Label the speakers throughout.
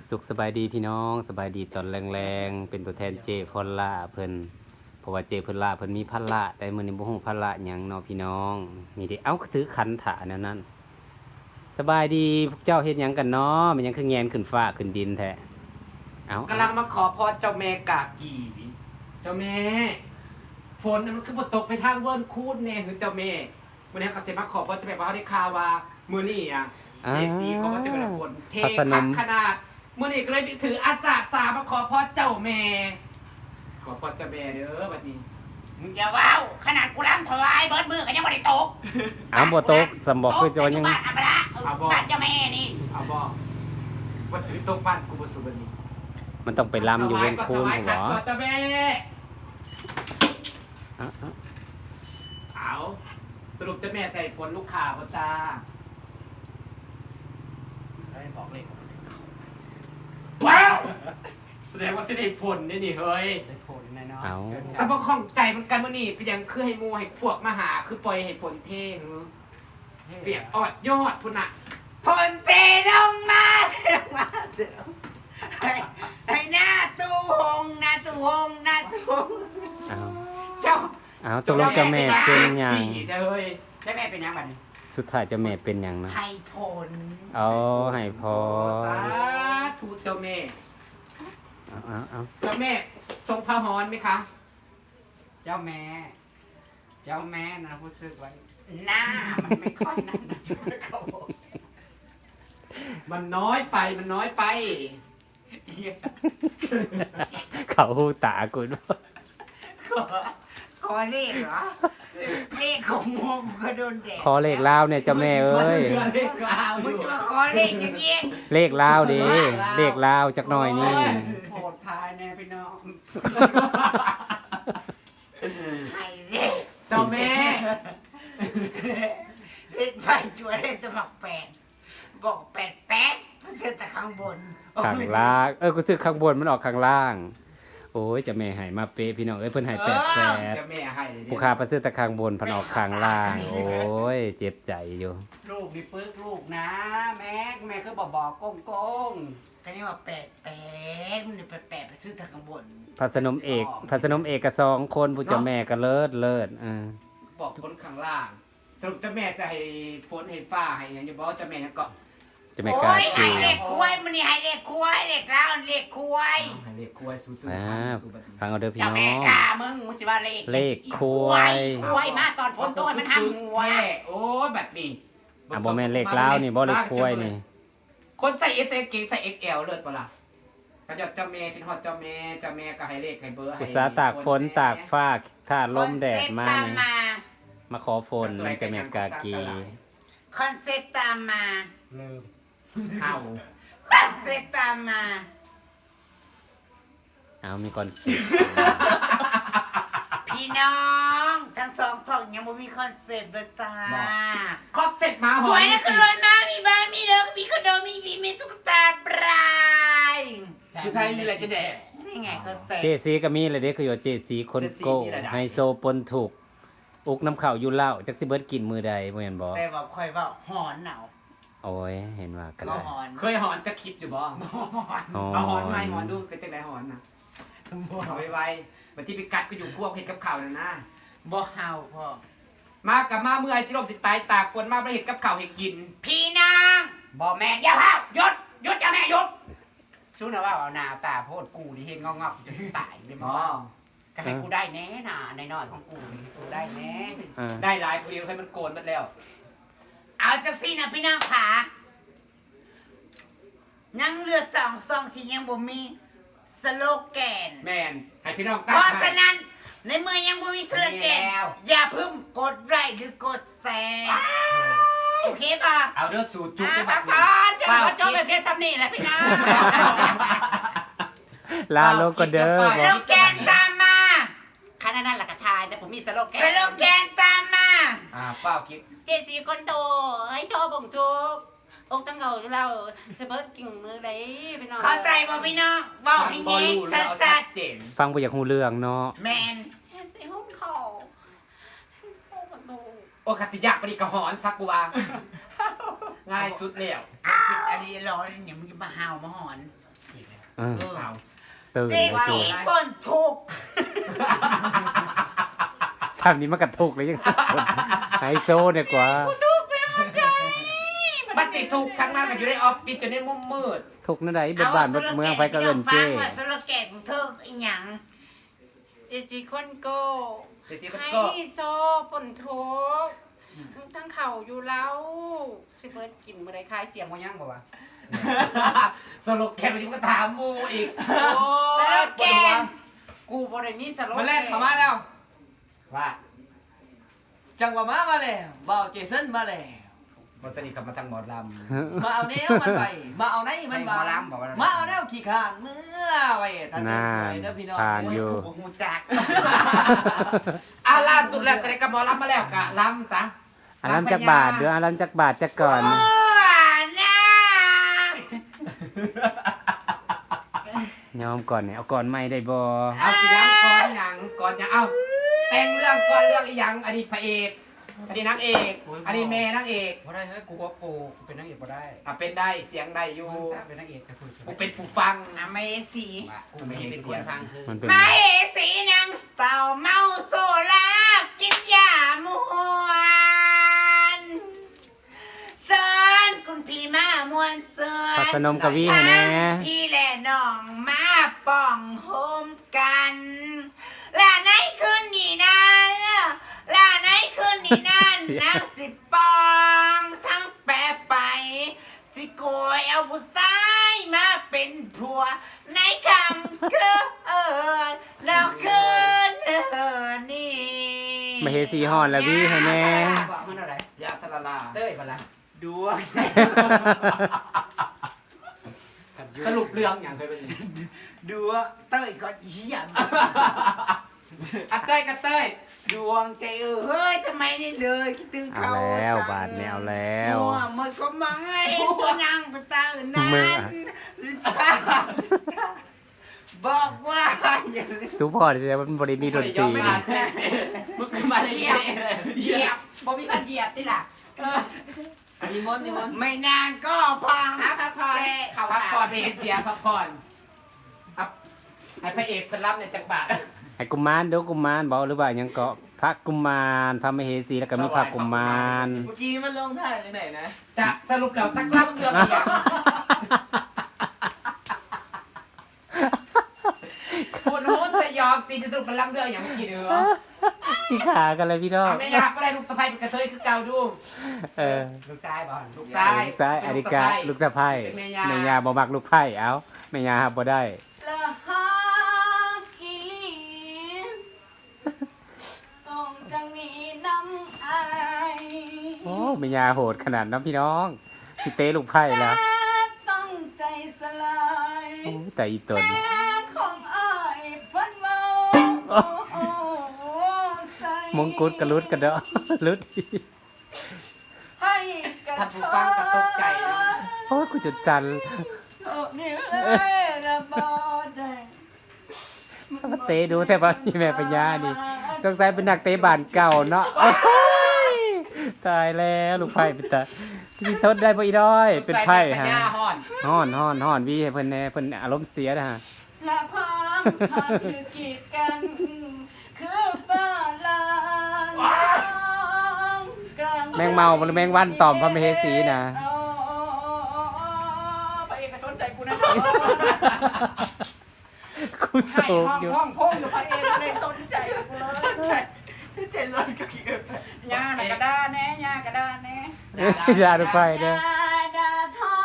Speaker 1: สุขสบายดีพี่น้องสบายดีตอนแรงๆเป็นตัวแทนเจพอลล่าเพิ่นเพราะว่าเจพอลล่าเพิ่นมีพันละแต่มื้อนี้บ่ฮู้พันละหยังเนาะพี่น้องนี่ดิเอ้าถือขันถาแนวนั้นสบายดีพวกเจ้าเฮ็ดหยังกันเนาะมันยังคือแงนขึ้นฟ้าขึ้นดินแท้เอ้าก
Speaker 2: ำลังมาขอพรเจ้าแม่กากีเจ้าแม่ฝนน่ะมันคือบ่ตกไปทางเวิร์นคูดแน่คือเจ้าแม่วันนี้ก็สิมาขอพรเจ้าแม่เพราะเขาได้ข่าวว่ามื้อนี้อ่ะเจสีก็ว่าจะเป็นฝนเทคักขนาดมื้อนี้ก็เลยถืออาสามาขอพรเจ้าแม่ขอพรเจ้าแม่เด้อบัดนี้
Speaker 3: มึงอย่าว้าวขนาดกูล้ำถวายเบิดมือก็ยังบ่ได้ตก
Speaker 1: อ้าวบ่ตกสำบอกคือจะว่ายัง
Speaker 3: บ้านอัปละบ้านเจ้าแม่นี่
Speaker 2: เอาบ่ว่าสิตกบ้านกูบ่สุบัดนี้
Speaker 1: มันต้องไปลำอยู่เว้นคูน
Speaker 2: ถวาย
Speaker 1: หั
Speaker 2: ขั
Speaker 1: ว
Speaker 2: นก่อนเจ้าแม่
Speaker 1: อ้าว
Speaker 2: เอาสรุปเจ้าแม่ใส่ฝนลูกข่าวจ้าบอกเลยว้าวแสดงว่าสิได้ฝนนี่เฮ้ย
Speaker 3: ได้ผลแน่นอน
Speaker 1: เอา
Speaker 2: แต่บ่ข้องใจมันกันมื้อนี้เป็นหยังคือให้หมู่ให้พวกมาหาคือปล่อยให้ฝนเทงเปียกอดยอดพุ่นน่ะ
Speaker 3: ผลเทลงมาให้หน้าตู้หงหน้าตู้หงหน้าตู้หง
Speaker 1: เอา
Speaker 2: เจ้า
Speaker 1: เอาตกลงเจ้าแม่เป็นหยัง
Speaker 2: สี่เด้อเฮ้ย
Speaker 3: เจ้าแม่เป็นยังบัดนี้
Speaker 1: สุดท้ายเจ้าแม่เป็นหยังนะ
Speaker 3: ให้ผล
Speaker 1: เอาให้พอ
Speaker 2: สาธุเจ้าแม่
Speaker 1: เอา
Speaker 2: เจ้าแม่ทรงพระหรไหมคะ
Speaker 3: เจ้าแม่นะพูดซึกไว้หน้ามันไม่ค่อยนั่นนะเขาบอก
Speaker 2: มันน้อยไปมันน้อยไป
Speaker 1: เขาหูตากูด้วย
Speaker 3: ขอเลขเหรอเลขของโมงก็โดนแดด
Speaker 1: ขอเลขลาวเนี่ยเจ้าแม่เอ้ย
Speaker 2: เลขกลาว
Speaker 3: มึงจะมาขอเลขอย่างนี้
Speaker 1: เลขลาวดิเลขลาวจักหน่อยนี่
Speaker 3: โหดพายแน่พี่น้องให้เลข
Speaker 2: เจ้าแม่
Speaker 3: เล่นไปจัวเล่นตะหมักแปดบอกแปดมันเชื่อแต่ข้างบน
Speaker 1: ข้างล่างกูซื้อข้างบนมันออกข้างล่าง โอ้ยเจะแม่ให้มาเป๊ะพี่น้องเอ้ยเพิ่นให้8
Speaker 2: เจ้าแม่ให้เลย
Speaker 1: ผู้ค้าไปซื้อแต่ข้างบนเพิ่นออกข้างล่าง โอ้ยเจ็บใจอยู่
Speaker 3: ลูกนี่ปึกลูกนะแม่คือบอกโกงแต่นี่ว่าแปดมันแปดไปซื้อแต่ข้างบน
Speaker 1: พัสนมเอกกับ2คนผู้เจ้าแม่ก็เลิศ
Speaker 2: บอกคนข้างล่าง สรุปเจ้าแม่จะให้ฝนให้ฟ้าให้อย่างอย่าบอกเจ้าแม่นะก็
Speaker 1: เจะแม่
Speaker 3: โอ้
Speaker 1: กล้าย
Speaker 3: ให้
Speaker 1: กิน
Speaker 3: เลขควายมันนี่ให้เลขควายเลขแล้วเลขควาย
Speaker 2: ให้เรียกคุยสู้
Speaker 1: ฟังเอาเด้อพี่
Speaker 3: เจ้า
Speaker 1: น้อ
Speaker 3: แม่
Speaker 1: ง
Speaker 3: ด่ามึงสิว่าเลข
Speaker 1: ควาย
Speaker 3: ควายมาตอนฝนตกมันห้ามควาย
Speaker 2: โอ้แบบนี้
Speaker 1: บ่แม่นเลขลาวนี่บ่เลขควายนี่
Speaker 2: คนใส่เอสเกงใส่ XL เลิศปะล่ะก็จะเจ้าแม่คิดฮอดเจ้าแม่ก็ให้เลขให้เบอร์ให้
Speaker 1: อุตสาห์ตากฝนตากฟ้าถ้าลมแดดมา
Speaker 3: คอนเซ็ปต์ตาม
Speaker 1: นี่
Speaker 3: มา
Speaker 1: มาขอฝนเจะแม่กากี
Speaker 3: คอนเซ็ปต์ตามมา
Speaker 2: ลืมเห่า
Speaker 3: คอนเซ็ปต์ตามมา
Speaker 1: เอามีก่อน
Speaker 3: พี่น้องทั้งสองท้องยังไม่มีคอนเซ็ปต์เลยจ้า
Speaker 2: ครอบเสร็จมาห
Speaker 3: สวยนะคือรวยมากมีบ้านมีรถมีคอนโดมีตุ๊กตาปลาย
Speaker 2: สุดท้ายมีอะไรจะแดก
Speaker 3: นี่ไงคอนเซ็ป
Speaker 1: เจ
Speaker 3: ต์
Speaker 1: ซีก็มีเลยเด้คือว่าเจซีคนโก้
Speaker 2: เจซีมีอะไรได้
Speaker 1: ไฮโซปนถูกอุกน้ำข้าวอยู่เหล้าจักสิเบิดกินมือใดบ่แม่นบ่
Speaker 3: แต่ว่าคอยว่าหอนหนาว
Speaker 1: โอ้ยเห็นว่ากัน
Speaker 3: ก็
Speaker 1: เลย
Speaker 3: หอน
Speaker 2: เคยหอนจะคิดอยู่บ่
Speaker 3: หอน
Speaker 1: อ๋อ
Speaker 2: เอาหอนไหมหอนดูก็จะได้หอนนะเอาไวๆบัดที่ไปกัดก็อยู่พวกเห็ดกับข่าวนั่นนะ
Speaker 3: บ่เฮาพ่อ
Speaker 2: มากับมาเมื่อยสิลมสิตายตากฝนมาประเห็ดกับข่าวเห็ดกิน
Speaker 3: พี่นางบ่แม่นอย่าเฮาหยุดเจ้าแม่หยุดสู้นะว่าเอาหน้าตาโพดกูนี่เห็นงอกๆจะตายเลยบ่
Speaker 2: อ๋อ
Speaker 3: ก็ให้กูได้แน่น่ะน้อยๆของกูนี่กูได้แน่
Speaker 2: ได้หลายคนเดียวให้มันโกนหมดแล้ว
Speaker 3: เอาจักซี่นะพี่น้องขายังเหลือ2 ซองที่ยังบ่มีสโลแกน
Speaker 2: แม่นให้พี่น้อง
Speaker 3: เพ
Speaker 2: ตั้ง
Speaker 3: ราะ
Speaker 2: ให้
Speaker 3: ฉะนั้นในเมื่อยังบ่มีสโลแกนอย่าเพิ่งกดไลค์หรือกดแชร์โอเคป่ะ
Speaker 2: เอาเด้อสูตรจุ๊บ
Speaker 3: อ่า
Speaker 2: ไป
Speaker 3: พักผ่อนจะมาจบแบบเพียงซ้ำนี่แหละพี่น้อง
Speaker 1: ลาโลกก็เด้อ
Speaker 3: ส
Speaker 1: บ่
Speaker 3: โลแกนตามมาขนาดนั้นละกะทายแต่ผมมีสโลแกนสโลแกนตามมา
Speaker 2: เป้าคิด
Speaker 3: เจสีคนโตให้โตบ่งทุกอกตั้งเก่าเราจะเบิดกิ่งมือเลยพี่น้องเข้าใจบ่พี่น้องบอกให้เงี้ยชัด
Speaker 2: เจน
Speaker 1: ฟังบ่อยากฮู้เรื่องเนาะ
Speaker 3: ๆแมน
Speaker 4: เทใส่ห้องเขาให้โซ่ประตู
Speaker 2: โอ้ขัดสิยากปดิกระหอนซักกูว่า ง่ายสุดแล้ว
Speaker 3: อะไรรอเนี่ยมึงจะมาหาวมาหอน
Speaker 1: เออ
Speaker 2: เอา
Speaker 1: ตื่น
Speaker 3: เจ๊
Speaker 1: มา
Speaker 3: สี
Speaker 1: จู
Speaker 3: ป่นถูก
Speaker 1: สามนี้มันกระทุกเลยยังไฮโซเนี่ยกว่า
Speaker 2: บัดสิถูกทั้งนั้นก็อยู่ในออฟฟิศจนในมุมมืด
Speaker 1: ทุกนั่นใดเบิดบ้านเบิดเมืองไปก็เอิ้นเจ้
Speaker 3: ว่าสโลแกนของเธออีหยัง
Speaker 4: เจสิคนโก
Speaker 2: เจสิก็
Speaker 4: ให้
Speaker 2: ก็
Speaker 4: โซฝนทุกทั้งเข่าอยู่แล้วสิเบิร์ดกินเมื่อไรคลายเสียงว่ายังบ่วะ
Speaker 2: สรุปแค่ไปยุ่งก็ถามมูอีกโอ้
Speaker 3: สโลแกน
Speaker 4: กูบ่ได้มีสโล
Speaker 5: มาแรกเขามาแล้ว
Speaker 2: ว่า
Speaker 5: จังหวะมาแล้วบ่าวเจสันมาแล้ว
Speaker 2: มันสนิทกับมาทางหมอล
Speaker 5: มาเอาแนวมันไป มาเอาไหนมันมา มาเอาแนวขี่ข้างเมื่อไว้ทางเดินสวยเด้อพี่น้อง
Speaker 1: ผ่านอยู่
Speaker 3: หูจัก
Speaker 2: ำอ่ะล่าสุดแล้วจะได้กับหมอลำมาแล้วกะลำซะ
Speaker 1: อันนั้นจักบาทเด้ออันนั้นจักบาทจักก่อน
Speaker 3: โอ้นะ
Speaker 1: ยอมก่อนเนี่ยเอาก่อนไม่ได้บ่
Speaker 2: เอาสิยังก่อนหยังเอาแต่งเรื่องก่อนเรื่องอีหยังอดีตพระเอกอดีตนางเอกอดีตแม่นางเอก
Speaker 6: บ่ได้เฮ้ยกูว่าโปกูเป็นนักเอกบ่ได้
Speaker 2: อ่ะเป็นได้เสียงได้อยู่
Speaker 6: มึงทราบเป็นนักเอกแต่คุณ
Speaker 2: กูเป็นผู้ฟัง
Speaker 3: อเมสี
Speaker 6: กูไม่เป็นคนฟังคือ
Speaker 1: มันเป็น
Speaker 3: มาเหสีนางเต่าเมาโซลากินยามวนเซินคุณพี่มามวนเซิน
Speaker 1: พัสนมกวีให้แน่
Speaker 3: พี่และน้องมาป่องโฮมกันลาไหนคืนนี้นั้นลาไหนคืนนี้นั้นนักสิปองทั้งแปรไป สิโกยเอาผู้ชายมาเป็นผัว ในคำคือเราคืนนี่
Speaker 1: มาเฮสีฮ้อนแล้ววีให้แน่
Speaker 6: บอกมันอะไร
Speaker 2: ยาสลาลา
Speaker 6: เต้ยบ่ล่ะ
Speaker 5: ดวง
Speaker 2: สรุปเรื่องอย่างเคยเป็นยังไง
Speaker 5: ดวงเต้ยก่อนเหี้ย
Speaker 2: อ่ะเต้ยกับเต้ย
Speaker 3: ดวงใจเฮ้ยทำไมนี่เลยคิดถึง
Speaker 1: เอา
Speaker 3: เขา
Speaker 1: แล้วบาทแนวแล้ว
Speaker 3: มัวมันก็มังให้ตัวนางไปตานั้
Speaker 1: เมื่อ
Speaker 3: นบอกว่าอย่างนี้
Speaker 1: สุพอจะมันบริมีดนตรี
Speaker 2: มึงมาได้
Speaker 3: เหยี
Speaker 2: ยั
Speaker 3: ย
Speaker 2: ง
Speaker 3: บ
Speaker 2: ไง
Speaker 3: เหยียบบ่มีการเหยียบติล่ะ
Speaker 5: นิมนต์นิมนต์
Speaker 3: ไม่นานก็พัง
Speaker 4: พักผ่อน
Speaker 2: เขาพักผ่อนไปเสียพักผ่อนครับให้พระเอกเป็นรับในจักรบาท
Speaker 1: ให้กุมารเดี๋ยวกุมารบอกหรือว่าหยังเกาะพระกุมารพระมเหสีแล้วก็มีพระกุมาร
Speaker 5: เมื่อกี้มันลงท่าเลยไหนนะ
Speaker 2: จะสรุปแล้วตักรับเรื่องอีกอย่างคุณโฮสจะยอมสิจะสรุปมันรับเรื่องอย่างเมื่อกี้เนื้อ
Speaker 1: ที่ขากันเลยพี่น้อง
Speaker 2: ไม่อยากก็ได้ลูกสะใภ้เป็นกระเทยคือเก่าดู
Speaker 1: เออ
Speaker 6: ลูกชายบ่
Speaker 2: ลูกชาย
Speaker 1: ลูกซ้ายอดิกาลูกสะพ้าย
Speaker 2: เป็นแม่ย่า
Speaker 1: แม่ยาบ่มักลูกไผ่เอาแม่ยาหับบ่ได้
Speaker 4: ละฮากิลีต้องจังมีน้ำอาย
Speaker 1: โอ้แม่ยาโหดขนาดนั้นพี่น้องสิเตะลูกไผ่แล้ว
Speaker 4: ต้องใจสลาย
Speaker 1: โอ้แต่อีตน
Speaker 4: แม่ของอายพันเมาใส่
Speaker 1: มงกุฎกระลุดกระเดาะ ลุด
Speaker 4: ให้กระ
Speaker 2: ท่านผู้ฟังก็ตกใจนะ
Speaker 1: โอ้ยกูจุดสั่น
Speaker 4: นี่เอ้ยระบอได้
Speaker 1: เตะดูแต่ว่าพี่แม่ปัญญานี่สงสัยเป็นนักเตะบ้านเก่าเนาะโอ้ยตายแล้วลูกไผ่เป็นตาที่ทนได้บ่อีด้อยเป็นไผ่
Speaker 2: ฮะ
Speaker 1: ฮะ
Speaker 2: ห่อน
Speaker 1: ฮ้อนวีให้เพิ่นแน่เพิ่นอารมณ์เสียนะฮะ
Speaker 4: ละพามพาถือกีดกัน คือฟ้าลางกลาง
Speaker 1: แมงเมาหรือแมงวันตอมพระมเหสีนะ
Speaker 4: ไปเอกชนใจกูนะ
Speaker 1: กูโศ
Speaker 4: ให้
Speaker 1: ก
Speaker 4: ห้อง
Speaker 1: อยู่
Speaker 4: ห้องพงอยู่ไปเองไม่ได้สนใจกูเลย
Speaker 5: ฉันใจร้อนกับเกียร์
Speaker 4: ย่าน่ะกระด้าแน่ย่ากระด้าแน่
Speaker 1: ยาลูกไผ่เด้อ
Speaker 4: ดาทอง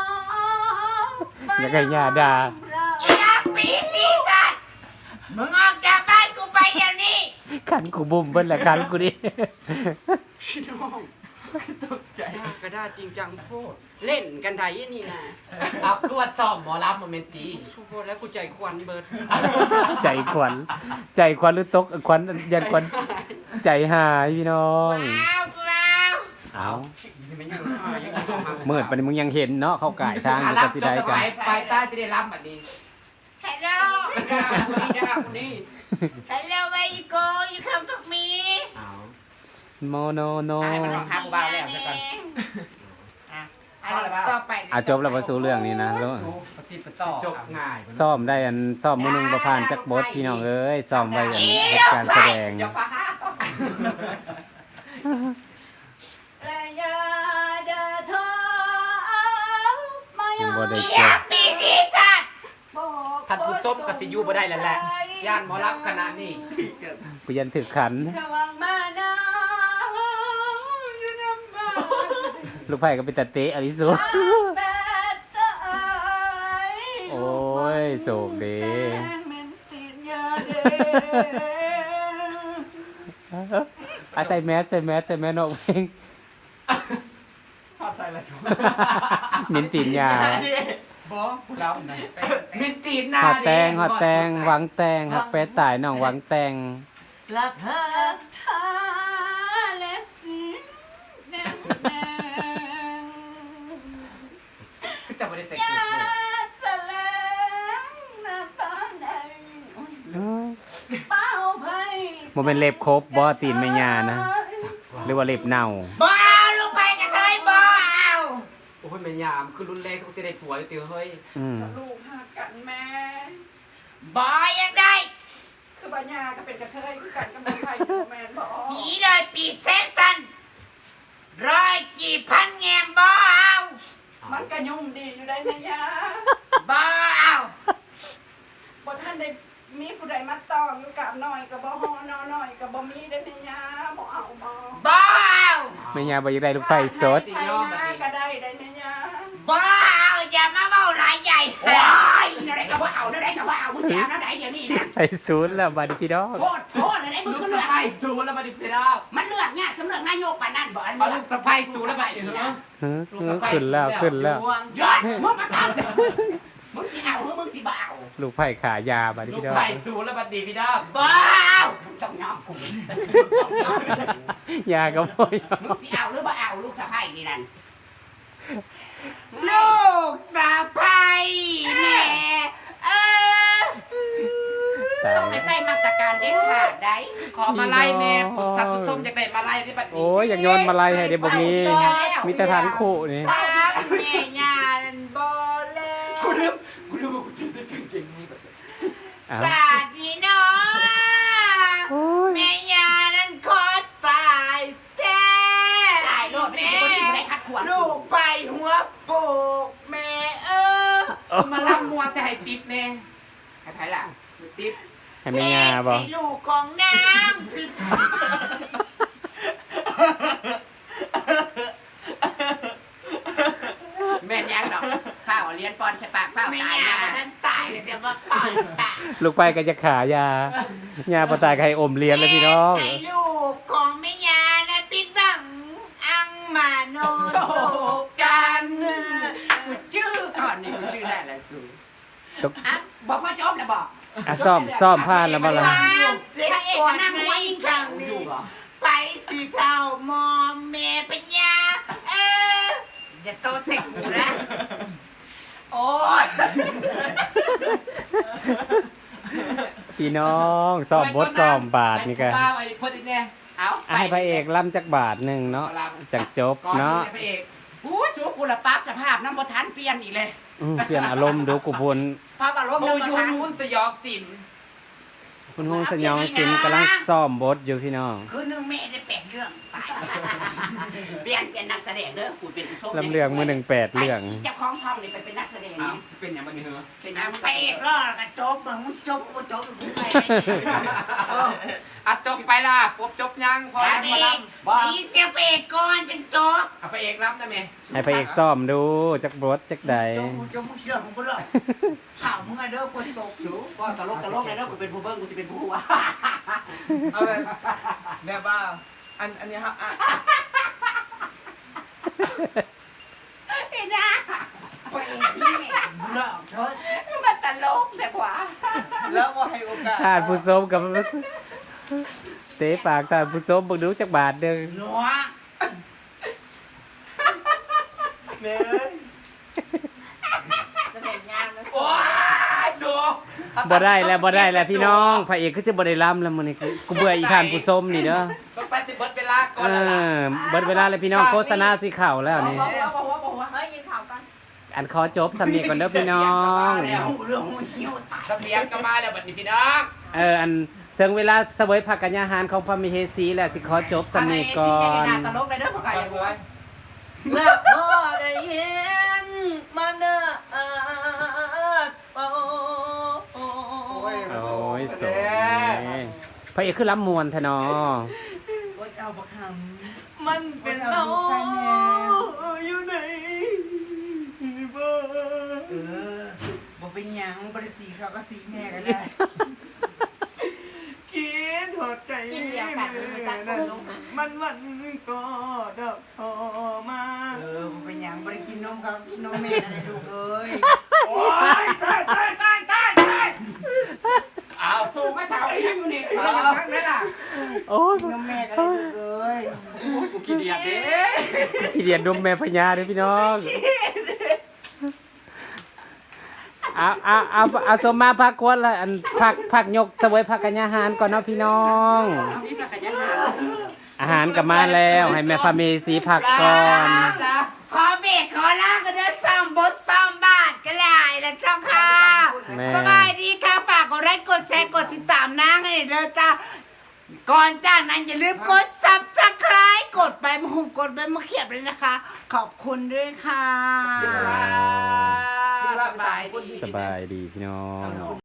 Speaker 1: อย่าให้ย่าด่า
Speaker 3: อยากปีศีสัตว์มึงออกจากบ้านกูไปเดี๋ยวนี้
Speaker 1: ขันกูบุ่มเบิ้ลแหละขันกูดิ
Speaker 5: พี่น้องตกใจ
Speaker 6: ย่ากระด้าจริงจังโพดเล่นกันไดนี่นะ
Speaker 2: เอาคือว่าซ้อมหมอลำมาเมนตี
Speaker 6: โพดแล้วกูใจควันเบิด
Speaker 1: ใจขวัญใจขวัญหรือตกขวัญยันขวัญใจหายพี่น้อง
Speaker 3: ว้าวว้าว
Speaker 1: เอา
Speaker 6: มันยังยังต้องทำ
Speaker 1: เมื่อปานนี้มึงยังเห็นเนาะเขาก่ายทางอยู่
Speaker 2: รั
Speaker 1: กับ
Speaker 2: จ
Speaker 1: สิ
Speaker 2: บ
Speaker 1: ได้
Speaker 2: กัน
Speaker 1: กัน
Speaker 2: ไปซ้ายจะได้รับแบบนี้
Speaker 3: ฮัลโหล
Speaker 6: คนนี้
Speaker 3: ฮัลโหล where you go you come with me
Speaker 2: เอา
Speaker 1: โมโนโน
Speaker 2: หายไปแล้ว ทางเบาแล้วเดี๋ยวก่อน
Speaker 3: อ่ะต่อไป
Speaker 1: จบแล้วมาสู่เรื่องนี้นะแล้ว
Speaker 6: ปฏิปต่อ
Speaker 2: จบง่าย
Speaker 1: ซ่อมได้ซ่อมมื้อหนึงบ่ผ่านจักบทพี่น้องเอ้ยซ่อมไว้เฮ็ดการแสดง
Speaker 2: อย่าฟ้า
Speaker 3: และยาดาทอมา
Speaker 1: ยังบ่ได้
Speaker 3: เยี
Speaker 1: เจ
Speaker 3: ย
Speaker 1: อ
Speaker 3: ปีศีสัตว์
Speaker 2: ท่านผู้ส้มกับสิยูบ่ได้แล้วแหละย่านหมอรับขนาดนี้
Speaker 1: กูยันถึกขัน
Speaker 3: ขวังมานาอยู่นำมา
Speaker 1: ลูกไผ่ก็เป็นตะเตะอลิสุ
Speaker 3: แปดตาย
Speaker 1: โอ้ยโศกเด้
Speaker 3: แดงเหม็นตีนยาเด้
Speaker 1: ใส่แมสใส่แมสออกเพลง
Speaker 2: พอดใส่แล้ว
Speaker 1: มินตีนยา
Speaker 2: บ่เรามินจีนหน้า
Speaker 1: ฮอดแตงหวังแตงฮักแปดตายน้องหวังแตง
Speaker 5: รักเธอ
Speaker 3: ทาเล็บสีแดงแดง
Speaker 2: จะบ่ได้ใส่
Speaker 3: ยา
Speaker 2: เกลือ
Speaker 3: สะเลงน้ำตาแดงเป้าไผ่
Speaker 1: บ่เป็นเล็บครบบ่ตีนแม่ยานะหรือว่าเล็บเน่า
Speaker 3: บ่เอาลูกไผ่กระเทยบ่เอา
Speaker 2: โอ้ยแม่ยามคือรุ่นแรกต้องสิได้ผัวอยู่ติเฮ้ย
Speaker 1: อืม
Speaker 4: ลูกหักกันแม่
Speaker 3: บ่ยังได้
Speaker 4: คือปัญญาก็เป็นกระเทยคือกันกับมือไผ่อยู่แมนบอก
Speaker 3: ผีเลยปีกแสงจันทร์ร้อยกี่พันแงมบ่เอา
Speaker 4: มันก็ยุ่งดีอยู่ได้แม่ยา
Speaker 3: บ่เอา
Speaker 4: บ่ท่านได้มีผู้ใดมาตองอยู่กับหน่อยกับบ่ฮอนอหน่อยกับบ่มีได้แม่ยาบ่เอาบ่
Speaker 3: บ่เอา
Speaker 1: แม่ยาบ่อยากได้ลูกไผ่สด
Speaker 4: ไผ่หน้าก็ได้ได้แม่ยา
Speaker 3: บ่เอาอย่ามาเว้าหลายใหญ่
Speaker 4: โอ้ยนั่นได้ก็บ่เอานั่นได้ก็บ่เอามึงสิเอานั่นได้เดี๋ยวนี้นะ
Speaker 1: ไอ้ศูนย์แล้วบัดนี้พี่น้อง
Speaker 4: โคตรเลยได้มึง
Speaker 2: ลูก
Speaker 4: ก็
Speaker 2: สะ
Speaker 4: เลือก
Speaker 2: ใภ้สูแล้วมาดิพี่น้อง
Speaker 4: มันเลือกเนี่ยสำเลือกนายกปานนั้นบ่อัน
Speaker 2: เอา
Speaker 4: เลื
Speaker 2: ลู
Speaker 4: อก
Speaker 2: กสะใภ้สูแล้วมาดิเนาะ
Speaker 1: ขึ้นแล้ว
Speaker 5: ดวง
Speaker 4: ยอดมึงมาเอามึงสิเอาหรือมึงสิบ่เอา
Speaker 1: ลูกไผ่ขายาบัดนี้
Speaker 2: ลูก
Speaker 1: พี่น้อง
Speaker 2: ไผ่สูแล้วมาดิพี่น้อง
Speaker 3: บ่เอา
Speaker 4: มึงต้องยอมกู
Speaker 1: ยาก็บ่ยอ
Speaker 4: มึ
Speaker 1: ม
Speaker 4: งสิเอาหรือบ่เอาลูกสะใภ้นี่นั่น
Speaker 3: ลูกสะใภ้แม่เออ
Speaker 1: ตา
Speaker 4: ต้องไป
Speaker 1: ย
Speaker 4: ใส่มาตรการเด็ดขาดได้
Speaker 2: ขอมาไล่แน่ท่านผู้ชมอยากได้มาไล่ที่บัดนี้
Speaker 1: โอ้ยอยากโยนมาลัยให้เด้บ่มีแต่ทานคู่นี่
Speaker 3: ตาแม่ย่านั่นบ่แล้ว
Speaker 2: กูลืมว่ากูจะได้กางเกงนี้ก่อน
Speaker 1: อ้าว
Speaker 3: สาดีเนาะ
Speaker 1: โอ้ย
Speaker 3: แม่ยานั้นขอตายแท้
Speaker 4: ตายโลดไม่ได้บ่ได้คัดขวาง
Speaker 3: ลูกไปหัวโปกแม่
Speaker 2: กูมาล่ำมัวแต่ให้ติ๊บแน่ให้ไผล่ะติ๊บ
Speaker 1: ให้แม่ยาบ่
Speaker 3: ให้ลูกของนางพิษ
Speaker 4: แม่นยังดอกข้าวเลี้ยนปอนใส่ปากข้าว
Speaker 3: แม่
Speaker 4: ตาย
Speaker 3: ยา
Speaker 4: นะ
Speaker 3: นั้นตายเลยเสียว่าปล่อยปาก
Speaker 1: ลูกไผ่ก็จะขายายาบ่ตายก็ให้อมเลี้ยนเลยพี่น้อง
Speaker 3: ให้ลูกของแม่ยานั้นพิษบังอังมาโนโตกัน
Speaker 4: กูชื่อก่อนนี่กูชื่อได้แล้วสู
Speaker 1: ตก
Speaker 4: อ่ะบอกว่าจบแล้วบอก
Speaker 1: ซ่อมผ่านแล้วบ่ล่ะ
Speaker 3: ความเจ็บ
Speaker 4: พระเอก
Speaker 3: ปว
Speaker 4: ก็
Speaker 3: ด
Speaker 4: นั่ง
Speaker 3: ใน
Speaker 4: หัวยิง
Speaker 3: ค
Speaker 4: ข้า
Speaker 3: รั้
Speaker 4: ว
Speaker 3: ง
Speaker 4: อยู่
Speaker 3: นี้
Speaker 4: บ่
Speaker 3: ไปสิเท่ามอมแม่ปัญญาอย่าโตเจ็กกูนะโอ๊ย
Speaker 1: พี่น้องซ่อมบทซ่อมบาทนี่ก็
Speaker 2: ไอ้ไอ้พอดีแน่เอา
Speaker 1: ให้พระเอกล่ำจักบาทหนึงเนาะจังจบ
Speaker 2: ก่อน
Speaker 1: เนาะ
Speaker 2: พระเอก
Speaker 4: อู้ชูกูละปั๊บสภาพน้ำบ่ทันเปลี่ยนอีกเลย
Speaker 1: เปลี่ยนอารมณ์ดูกูพูน
Speaker 4: ภาพอารมณ์
Speaker 2: โม
Speaker 4: น้ำบ่
Speaker 2: ยู
Speaker 4: ทัน
Speaker 2: นูนสยองสิน
Speaker 1: คุณฮงสยองสินกำลังซ่อมบทอยู่พี่น้อง
Speaker 3: คือหนึ่งแม่ได้8เรื่องตาย
Speaker 4: เปลี่ยนเป็นนักแสดงเด้อกูเป็นผู้ชม
Speaker 1: ลำเรื่องมือ1 8เรื่อง
Speaker 4: เจ้าของช่องนี่ไปเป็นนักแสดง
Speaker 2: อ้าว
Speaker 4: นี่
Speaker 2: สิเป็นอย่างบันนี้เหรอ
Speaker 4: เป็น
Speaker 3: นาง
Speaker 4: นัก
Speaker 3: ไปเอกรอดกระจบมึงจบกูจบกูไป
Speaker 2: อ่ะจบไปล่ะปุ๊บจบยังพอ
Speaker 3: ไป
Speaker 2: แล้ว
Speaker 3: เอ
Speaker 2: มาล่
Speaker 3: กนี่เสียไปเอกก่อนจังจบ
Speaker 2: ำเอาพระเอกรับได้ไหม
Speaker 1: ให้พระเอกซ่อมดูจักบทจักใด
Speaker 3: จบมึงเชื่อมึงกูหรอกข่าวมึงอะเด้อคนตกอยู่
Speaker 4: ก็ตลกเลยเด้อกูเป็นผู้เบิ้งกูจะเป็นผู้ว่า
Speaker 5: เอาแบบว่าอันนี้ครับ
Speaker 4: ไอ้น่า
Speaker 3: ไปเอกนี่หลอกเถิด
Speaker 4: มันตลกแต่กว่า
Speaker 5: แล้วว่าให้โอกาส
Speaker 1: ทานผู้ชมกับเตะปากทานผู้ชมเบิ่งดูจักบาทเด้อ
Speaker 3: หนัว
Speaker 5: เนี่ย
Speaker 4: จะเป็นงานแล้ว
Speaker 2: โอ้ยสู
Speaker 1: บ่ได้แล้วพี่น้องพระเอกคือสิบ่ได้ล่ำแล้วมื้อนี้กูเบื่ออีทานผู้ชมนี่เด้อ
Speaker 2: ต้องไปสิเบิดเวลาก่อน
Speaker 1: เอ
Speaker 2: แล้วล่ะ
Speaker 1: อเบิดเวลาเลยพี่น้องโฆษณาสิเข้าแล้วนี่
Speaker 4: บอกว่าเฮ้ยยิน
Speaker 1: อันขอจบสำเนียงก่อนเด้อพี่น้อง
Speaker 3: หูเรื่องหูหิวตาย
Speaker 2: เสบียงก็มาแล้วบัดนี้พี่น้อง
Speaker 1: อันถึงเวลาเสวยผักกัญญาหารของพระมเหสีแล้วสิขอจบสำเนียงก่อน
Speaker 3: ตลกเลยเด้อพ่อไก่
Speaker 2: ไว้
Speaker 5: และพอได้เห็นมันเด้อโอ้
Speaker 1: โอ้ยสวยพระเอกคือล้ำมวนแท้เนาะ
Speaker 3: โอ๊ยเอาบักห
Speaker 5: มันเป็นเราอยู่ไหนบ่
Speaker 3: ำบ่เป็นหยังบ่ได้สีเขาก็สีแม่ก็ได้
Speaker 5: คิดถอดใจมันก็ดอกทอมา
Speaker 3: บ่เป็นหยังบ่ได้กินนมเขากินนมแม่ก็ได้ลูกเอ้ย
Speaker 2: โอ้ยตายเอา
Speaker 6: สูงมาสาวยังอยู่นี่เอาพักไหมล่ะ
Speaker 1: โอ้ย
Speaker 3: กินนมแม่ก็ได้ลูกเอ้ย
Speaker 6: กูขี้เดียดเด้
Speaker 1: ขี้เดียดดมแม่พญาเด้อพี่น้องเอาสมมาพักควรละอันพักยกเสวยผักกัญญาหารก่อนเนาะพี่น้อง
Speaker 6: มีผักกันยังหา
Speaker 1: อาหารก็มาแล้วให้แม่พระเมสีพักก่อน
Speaker 3: ขอเบรกขอลากันเด้อซ้ำบทซ้ำบาทก็ได้แล้วเจ้าค่ะ
Speaker 1: แม่
Speaker 3: สบายดีค่ะฝากกดไลค์กดแชร์กดติดตามนางให้เด้อจ้าก่อนจากนั้นอย่าลืมกด Subscribe กดไปมาหุงกดไปมาเขียบเลยนะคะ ขอบคุณด้วยค่ะ
Speaker 2: สบายดี
Speaker 1: สบายดีพี่น้อง